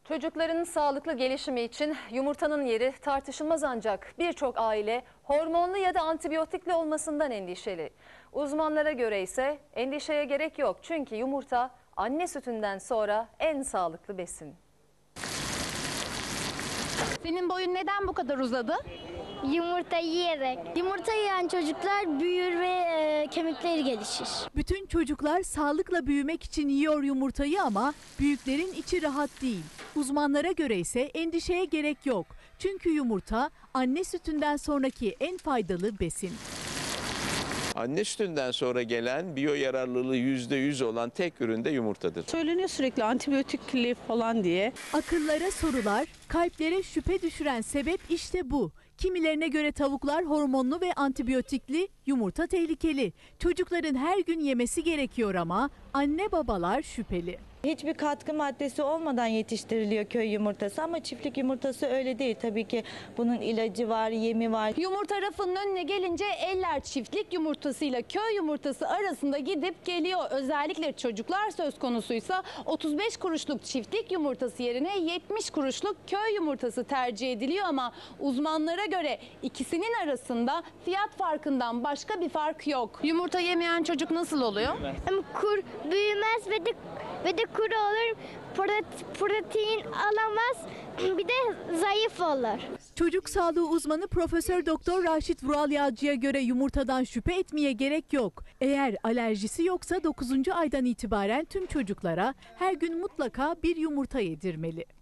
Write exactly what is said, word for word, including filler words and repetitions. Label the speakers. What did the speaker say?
Speaker 1: Çocukların sağlıklı gelişimi için yumurtanın yeri tartışılmaz, ancak birçok aile hormonlu ya da antibiyotikli olmasından endişeli. Uzmanlara göre ise endişeye gerek yok, çünkü yumurta anne sütünden sonra en sağlıklı besin.
Speaker 2: Senin boyun neden bu kadar uzadı?
Speaker 3: Yumurta yiyerek. Yumurta yiyen çocuklar büyür ve e, kemikleri gelişir.
Speaker 4: Bütün çocuklar sağlıkla büyümek için yiyor yumurtayı ama büyüklerin içi rahat değil. Uzmanlara göre ise endişeye gerek yok. Çünkü yumurta anne sütünden sonraki en faydalı besin.
Speaker 5: Anne sütünden sonra gelen biyo yararlılığı yüzde yüz olan tek ürün de yumurtadır.
Speaker 6: Söyleniyor sürekli antibiyotikli falan diye.
Speaker 4: Akıllara sorular, kalplere şüphe düşüren sebep işte bu. Kimilerine göre tavuklar hormonlu ve antibiyotikli, yumurta tehlikeli. Çocukların her gün yemesi gerekiyor ama anne babalar şüpheli.
Speaker 7: Hiçbir katkı maddesi olmadan yetiştiriliyor köy yumurtası ama çiftlik yumurtası öyle değil. Tabii ki bunun ilacı var, yemi var.
Speaker 2: Yumurta rafının önüne gelince eller çiftlik yumurtasıyla köy yumurtası arasında gidip geliyor. Özellikle çocuklar söz konusuysa otuz beş kuruşluk çiftlik yumurtası yerine yetmiş kuruşluk köy yumurtası tercih ediliyor ama uzmanlara göre ikisinin arasında fiyat farkından başka bir fark yok. Yumurta yemeyen çocuk nasıl oluyor?
Speaker 3: Kur büyümez ve de ve de kuru olur. Protein alamaz. Bir de zayıf olur.
Speaker 4: Çocuk sağlığı uzmanı Profesör Doktor Raşit Vural Yağcı'ya göre yumurtadan şüphe etmeye gerek yok. Eğer alerjisi yoksa dokuzuncu aydan itibaren tüm çocuklara her gün mutlaka bir yumurta yedirmeli.